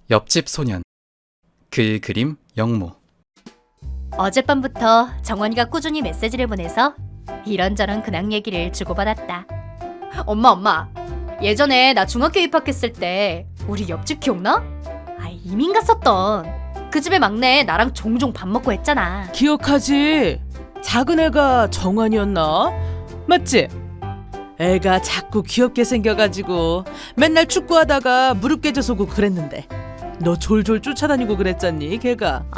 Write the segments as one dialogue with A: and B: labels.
A: 옆집 소년. 그 그림 영모.
B: 어젯밤부터 정원이가 꾸준히 메시지를 보내서 이런저런 근황 얘기를 주고받았다. 엄마. 예전에 나 중학교 입학했을 때 우리 옆집 기억나? 이민 갔었던 그 집의 막내 나랑 종종 밥 먹고 했잖아.
C: 기억하지? 작은 애가 정환이었나? 맞지? 애가 자꾸 귀엽게 생겨가지고 맨날 축구하다가 무릎 깨져서 오고 그랬는데 너 졸졸 쫓아다니고 그랬잖니 걔가.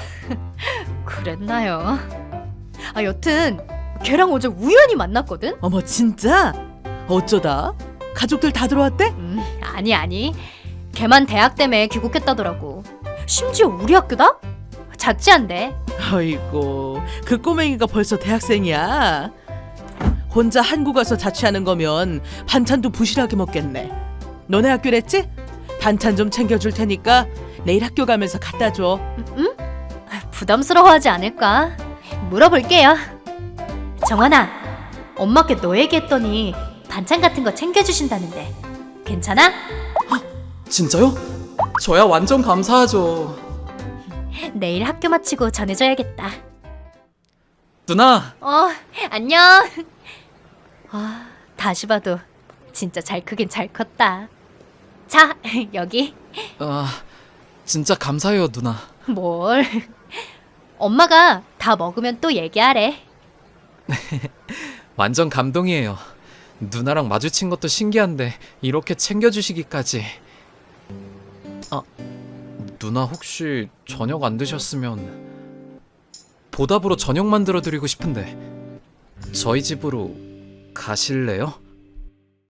B: 그랬나요? 여튼 걔랑 어제 우연히 만났거든?
C: 어머 진짜? 어쩌다? 가족들 다 들어왔대?
B: 아니 걔만 대학 때문에 귀국했다더라고. 심지어 우리 학교다? 자취한대.
C: 아이고 그 꼬맹이가 벌써 대학생이야. 혼자 한국 와서 자취하는 거면 반찬도 부실하게 먹겠네. 너네 학교랬지? 반찬 좀 챙겨줄 테니까 내일 학교 가면서 갖다 줘.
B: 응? 부담스러워하지 않을까? 물어볼게요. 정환아, 엄마께 너 얘기했더니 반찬 같은 거 챙겨주신다는데 괜찮아?
A: 진짜요? 저야 완전 감사하죠.
B: 내일 학교 마치고 전해줘야겠다.
A: 누나!
B: 안녕. 다시 봐도 진짜 잘 크긴 잘 컸다. 자, 여기.
A: 진짜 감사해요, 누나.
B: 뭘. 엄마가 다 먹으면 또 얘기하래.
A: 완전 감동이에요. 누나랑 마주친 것도 신기한데 이렇게 챙겨주시기까지. 누나 혹시 저녁 안 드셨으면 보답으로 저녁 만들어 드리고 싶은데 저희 집으로 가실래요?